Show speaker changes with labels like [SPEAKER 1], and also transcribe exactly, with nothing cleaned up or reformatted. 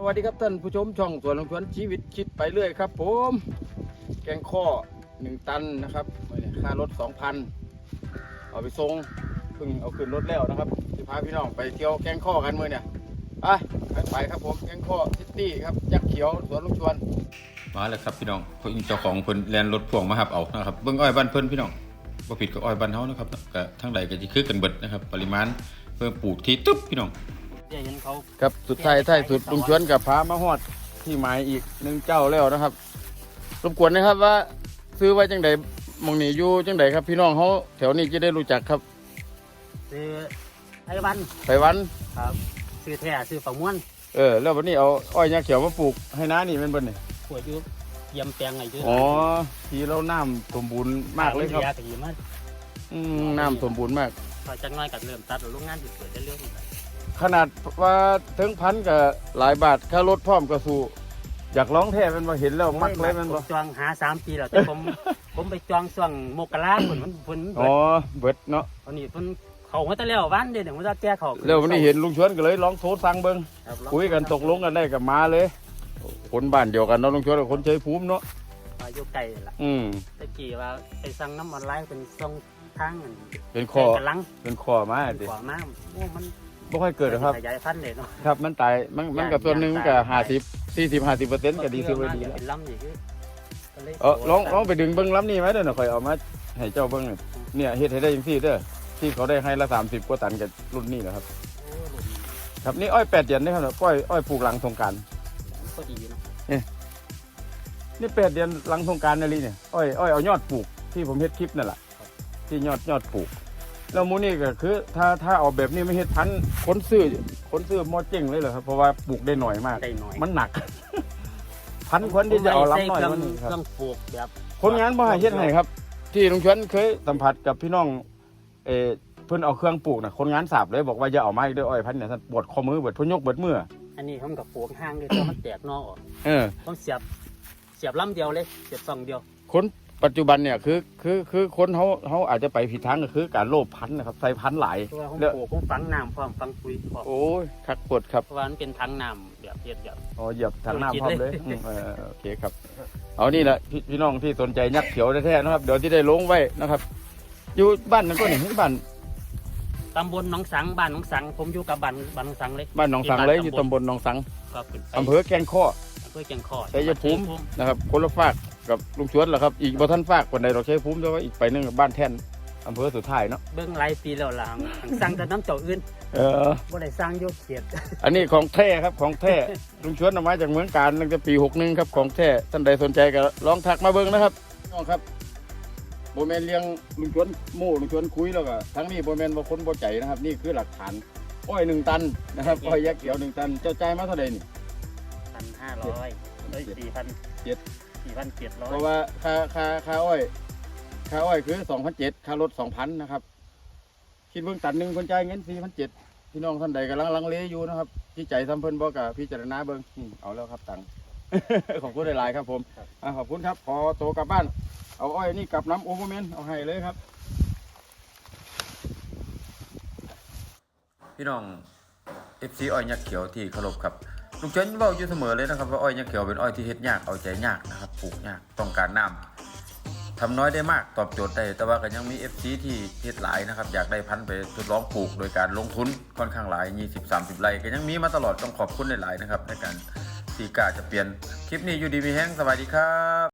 [SPEAKER 1] วัสดีครับท่านผู้ชมช่องสวนลงสวนชีวิตคิดไปเรื่อยครับผมแกงข้อหนึ่งตันนะครับค่ารถสองพันเอาไปส่งเพิ่งเอาขึ้นรถแล้วนะครับจะพาพี่น้องไปเที่ยวแกงข้อกันเมื่อเนี่ยไปไปครับผมแกงข้อซิตี้ครับยักษ์เขียวสวนลงสวนมาแล้วครับพี่น้องคนเจ้าของเพิ่นแลนรถพ่วงมาหับเอานะครับเบิ้งอ้อยบ้านเพิ่นพี่น้องบ่ผิดกับอ้อยบ้านเฮานะครับก็ทั้งใดก็จะคือกันเบิดนะครับปริมาณเพิ่มปลูกที่ตุ๊บพี่น้องครับสุดท้ายท้ายสุดลุงชวนกับพามาฮอดที่หมายอีกหนึ่งเจ้าแล้วนะครับรบกวนนะครับว่าซื้อไว้จังใดมองนี่อยู่จังใดครับพี่น้องเขาแถวนี้จะได้รู้จักครับ
[SPEAKER 2] ซื้อไอ้วัน
[SPEAKER 1] ไปวัน
[SPEAKER 2] ครับซื้อแท้ซื้อฝังม้วน
[SPEAKER 1] เออแล้ววันนี้เอาอ้อยยาเขียวมาปลูกให้น้านี่เป็นบนนี่
[SPEAKER 2] ขวดยุบเยี่ยมแปลงไงยุบ
[SPEAKER 1] อ๋อทีเราน้ำสมบูรณ์มากเลยครับอืมน้ำสมบูรณ์มาก
[SPEAKER 2] พอจังน้อยกับเริ่มตัดโรงงานติดเปิดได้เรื่อง
[SPEAKER 1] ขนาดว่าถึงพันกับหลายบาทค่ารถพร้อมกระสูอยากร้องแท้เป็นมาเห็นแล้วมักเลยมัน
[SPEAKER 2] บอกจองหาสามปีแล้วแต่ผมผมไปจองช่วงมกราคนมันคน
[SPEAKER 1] อ๋อเบิดเนาะ
[SPEAKER 2] ตอนนี้คนเขาเขาจะเลี้ยววันเดียวเดี๋ยวมันจะแก้เขา
[SPEAKER 1] แล้ววันนี้เห็นลุงชวนก็เลยร้องโทรสั่งเบิ้งคุยกันตกลงกันได้กับมาเลยคนบ้านเดียวกันเนาะลุงชวนกับคนเชยภูมิเนาะ
[SPEAKER 2] อายุไกลละ
[SPEAKER 1] อืม
[SPEAKER 2] ตะกี้ว่าไปสั่งน้ำมันไล่เป็นส่งทาง
[SPEAKER 1] เป็นคอเป็นคอมา
[SPEAKER 2] ดิคอมาโอ้มัน
[SPEAKER 1] ไม่ค่อยเกิดครับ
[SPEAKER 2] ขยายพันธุ์เลยเนาะ
[SPEAKER 1] ครับมันตายมันมันกับตัวนึงกับห้าสิบสี่สิบห้าสิบเปอร์เซ็นต์ก็ดีซื้อไว้ดี
[SPEAKER 2] เป็นลำอย่างนี้
[SPEAKER 1] เออลองลองไปดึงเบิ้งลำนี่ไหมเด้อหน่อยคอยเอามาให้เจ้าเบิ้งเนี่ยเฮ็ดให้ได้ยังซี่เด้อที่เขาได้ให้ละสามสิบกว่าตันกับรุ่นนี้นะครับครับนี่อ้อยแปดเดือนนี่ครับอ้อยอ้อยปลูกหลังสงกรานต์
[SPEAKER 2] ก็ดีเนาะ
[SPEAKER 1] นี่นี่แปดเดือนหลังสงกรานต์นั่นนี่เนี่ยอ้อยอ้อยเอายอดปลูกที่ผมเฮ็ดคลิปนั่นแหละที่ยอดยอดปลูกแล้วมูนี่ก็คือถ้าถ้าเอาแบบนี้ไม่เฮ็ดพันคนซื้อคนซื้อมอเจ๊งเลยเหรอครับเพราะว่าปลูกได้หน่อยมากมันหนักพันคนที่จะเอาล้ำหน่อยมันครับ
[SPEAKER 2] ต้องปลูกแบบ
[SPEAKER 1] คนงานบ่ให้เฮ็ดให้ครับที่ลุงชวนเคยสัมผัสกับพี่น้องเออเพิ่นเอาเครื่องปลูกน่ะคนงานสาบเลยบอกว่าอย่าเอาไม้ด้วยอ้อยพันเนี่ยท่านปวดข้อมือปวดพุ่นยกปวดมือ
[SPEAKER 2] อันนี้ผมกับปลูกห่างด้วยเพราะมันแตกนอกออก
[SPEAKER 1] เออ
[SPEAKER 2] ต้องเสียบเสียบลำเดียวเลยเสียบสองเดียว
[SPEAKER 1] คนปัจจุบันเนี่ยคือคือคือคนเขาเขาอาจจะไปผิดทางก็คือการโลภพันธุ์นะครับใส่พันธุ์หลาย
[SPEAKER 2] เรื่องโอ้ผมฝังน้ำพร้อมฝังปุ๋ยพร้อม
[SPEAKER 1] โอ้ยคักปวดครับ
[SPEAKER 2] เพราะว่ามันเป็นถังน้ำแบบเย็ดแบบ
[SPEAKER 1] อ๋อเหยียบถังน้ำพร้อมเลยเออโอเคครับเอานี่แหละพี่พี่น้องที่สนใจยักษ์เขียวแท้ๆนะครับเดี๋ยวที่ได้ลงไว้นะครับอยู่บ้านนั่นก็นี่บ้าน
[SPEAKER 2] ตำบลหนองสังบ้านหนองสังผมอยู่กับบ้านบ้านหนองสังเลย
[SPEAKER 1] บ้านหนองสังเลยอยู่ตำบลหนองสังอำเภอแกงข้อ
[SPEAKER 2] อำเภอแกงข้อ
[SPEAKER 1] ชัยภูมินะครับคนละฝากกับลุงชวนเหรอครับอีกบ่ท่านฝากคนใดเราชัยภูมิแต่ว่าอีกไปนึงกับบ้านแท่นอำเภอสุดท้ายเนาะ
[SPEAKER 2] เบื้องหลายปีแล้วล่ะสั่งแต่น้ำเจ้าอื่น
[SPEAKER 1] เออ
[SPEAKER 2] บ่ได้สร้างโยกเขียด
[SPEAKER 1] อันนี้ของแท้ครับของแท้ลุงชวนเอามาจากเมืองการตั้งแต่ปีหกหนึ่งครับของแท้ท่านใดสนใจก็ลองทักมาเบิ้งนะครับน้องครับโบแมนเลี้ยงลุงชวนโม่ลุงชวนคุยแล้วก็ทั้งนี้โบแมนบางคนบ่ใจนะครับนี่คือหลักฐานอ้อยหนึ่งตันนะครับอ้อยยักษ์เขียวหนึ่งตันเจ้าใจมาเท่าไหร่นี่
[SPEAKER 2] พันห้าร้อยได้สี่พัน
[SPEAKER 1] เจ็ด
[SPEAKER 2] สี่พันเจ็ดร้อย
[SPEAKER 1] เพราะว่าค่าค่าค่าอ้อยค่าอ้อยคือสองพันเจ็ดค่ารถสองพันนะครับคิดเบื้องตันหนึ่งคนจ่ายเงินสี่พันเจ็ดพี่น้องท่านใดกำลังลังเลอยู่นะครับพี่ใจซ้ำเพิ่นบอกกับพี่เจารณาเบิ้งเอาแล้วครับตังขอบคุณหลายๆครับผมขอบคุณครับขอโตกลับบ้านเอาอ้อยนี่กลับน้ำโอเวอร์เมนเอาให้เลยครับพี่น้องเอฟซีอ้อยยักษ์เขียวที่เคารพครับลุงเจนบอกอยู่เสมอเลยนะครับว่าอ้อยยักษ์เขียวเป็นอ้อยที่เฮ็ดยากเอาใจยากนะครับปลูกยากต้องการน้ำทำน้อยได้มากตอบโจทย์ได้แต่ว่าก็ยังมี เอฟ ซี ที่เฮ็ดหลายนะครับอยากได้พันธุ์ไปทดลองปลูกโดยการลงทุนค่อนข้างหลาย ยี่สิบ สามสิบ ไร่ก็ยังมีมาตลอดต้องขอบคุณหลายๆนะครับในการที่กล้าจะเปลี่ยนคลิปนี้อยู่ดีมีแห้งสวัสดีครับ